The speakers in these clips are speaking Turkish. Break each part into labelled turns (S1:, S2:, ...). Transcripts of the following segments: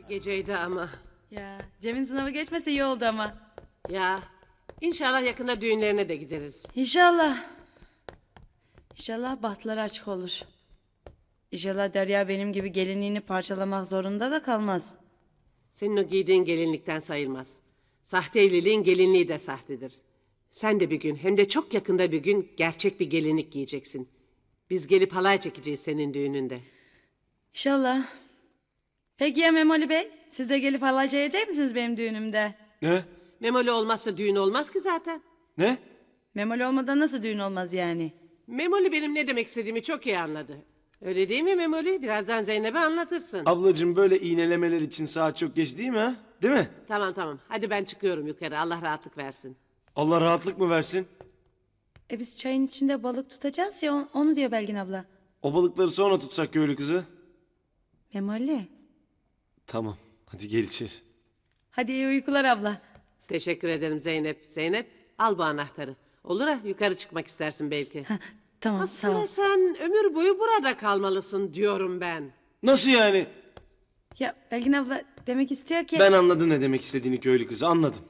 S1: geceydi ama.
S2: Ya Cem'in sınavı geçmese iyi oldu ama.
S1: Ya inşallah yakında düğünlerine de gideriz.
S2: İnşallah. İnşallah bahtları açık olur. İnşallah Derya benim gibi gelinliğini parçalamak zorunda da kalmaz.
S1: Senin o giydiğin gelinlikten sayılmaz. Sahte evliliğin gelinliği de sahtedir. Sen de bir gün, hem de çok yakında bir gün gerçek bir gelinlik giyeceksin. Biz gelip halay çekeceğiz senin düğününde.
S2: İnşallah. Peki ya Memoli Bey? Siz de gelip halay çekecek misiniz benim düğünümde?
S3: Ne?
S1: Memoli olmazsa düğün olmaz ki zaten.
S3: Ne?
S2: Memoli olmadan nasıl düğün olmaz yani?
S1: Memoli benim ne demek istediğimi çok iyi anladı. Öyle değil mi Memoli? Birazdan Zeynep'e anlatırsın.
S3: Ablacığım böyle iğnelemeler için saat çok geç değil mi ha? Değil mi?
S1: Tamam. Hadi ben çıkıyorum yukarı. Allah rahatlık versin.
S3: Allah rahatlık mı versin?
S2: Biz çayın içinde balık tutacağız ya onu diyor Belgin abla.
S3: O balıkları sonra tutsak köylü kızı.
S2: Memoli.
S3: Tamam. Hadi gel içeri.
S2: Hadi iyi uykular abla.
S1: Teşekkür ederim Zeynep. Zeynep al bu anahtarı. Olur ha yukarı çıkmak istersin belki.
S2: Tamam sağ ol.
S1: Aslında sen ömür boyu burada kalmalısın diyorum ben.
S3: Nasıl yani?
S2: Ya Belgin abla demek istiyor ki...
S3: Ben anladım ne demek istediğini köylü kızı, anladım.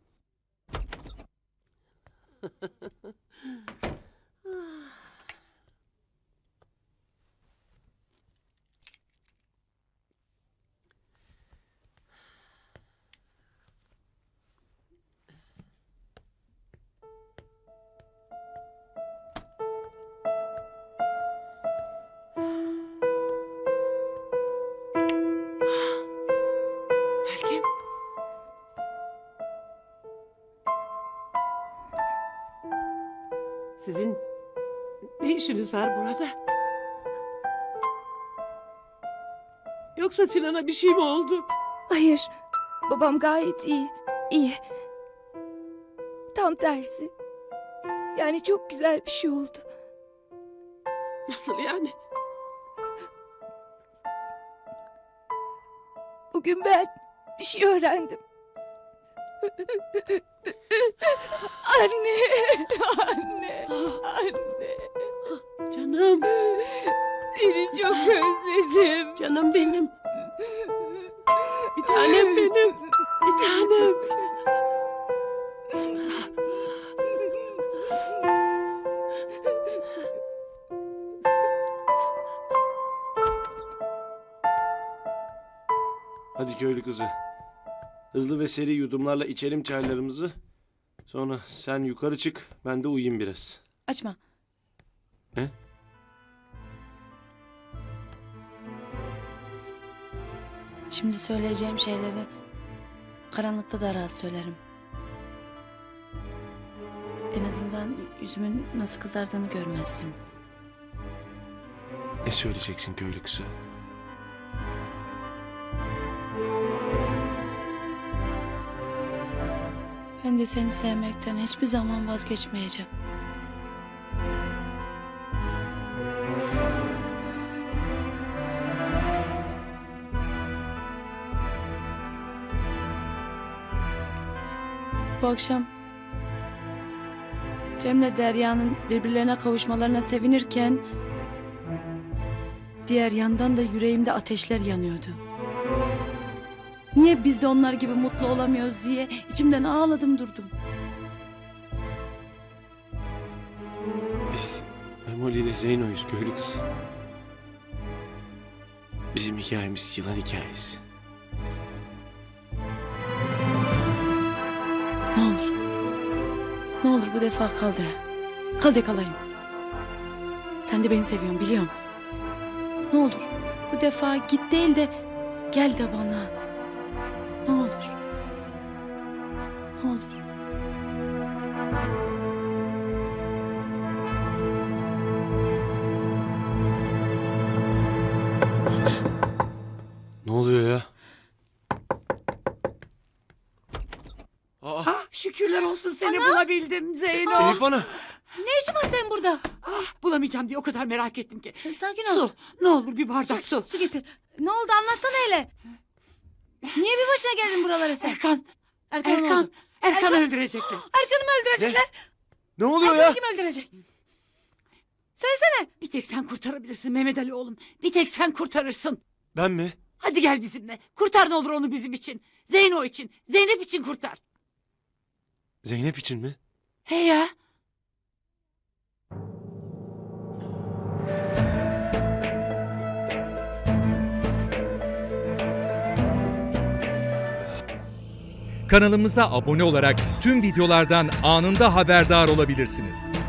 S1: Belki. Sizin ne işiniz var burada? Yoksa Sinan'a bir şey mi oldu?
S4: Hayır. Babam gayet iyi. İyi. Tam tersi. Yani çok güzel bir şey oldu.
S1: Nasıl yani?
S4: Bugün ben bir şey öğrendim. Anne. Anne. Anne.
S1: Canım,
S4: Seni çok özledim.
S1: canım benim. Bir tanem benim. Bir tanem.
S3: Hadi köylü kızı. Hızlı ve seri yudumlarla içelim çaylarımızı. Sonra sen yukarı çık, ben de uyuyayım biraz.
S2: Açma.
S3: Ne?
S2: Şimdi söyleyeceğim şeyleri karanlıkta da rahat söylerim. En azından yüzümün nasıl kızardığını görmezsin.
S3: Ne söyleyeceksin köylü kızı?
S2: Ben de seni sevmekten hiçbir zaman vazgeçmeyeceğim. Bu akşam Cem'le Derya'nın birbirlerine kavuşmalarına sevinirken diğer yandan da yüreğimde ateşler yanıyordu. Niye biz de onlar gibi mutlu olamıyoruz diye içimden ağladım durdum.
S3: Biz Memoli ile Zeyno'yuz köylü kızı. Bizim hikayemiz yılan hikayesi.
S2: Ne olur. Ne olur bu defa kal de. Kal de kalayım. Sen de beni seviyorsun biliyorum. Ne olur bu defa git değil de gel de bana. Ne olur. Ne olur.
S3: Ne oluyor ya?
S5: Ah, şükürler olsun seni bulabildim Zeyno.
S3: Elif Ana!
S2: Ne işin var sen burada?
S5: Bulamayacağım diye o kadar merak ettim ki.
S2: Sakin ol.
S5: Su, ne olur bir bardak su.
S2: Su getir. Ne oldu anlatsana hele. Niye bir başına geldin buralara sen?
S5: Erkan,
S2: Erkan, ne
S5: Erkan,
S2: oldu?
S5: Erkan'ı öldürecekler.
S2: Erkan'ı mı öldürecekler?
S3: Ne oluyor
S2: Erkan'ı
S3: ya?
S2: kim öldürecek? Söylesene.
S5: Bir tek sen kurtarabilirsin Mehmet Ali oğlum. Bir tek sen kurtarırsın.
S3: Ben mi?
S5: Hadi gel bizimle. Kurtar ne olur onu bizim için. Zeyno için. Zeynep için kurtar.
S3: Zeynep için mi?
S5: He ya.
S6: Kanalımıza abone olarak tüm videolardan anında haberdar olabilirsiniz.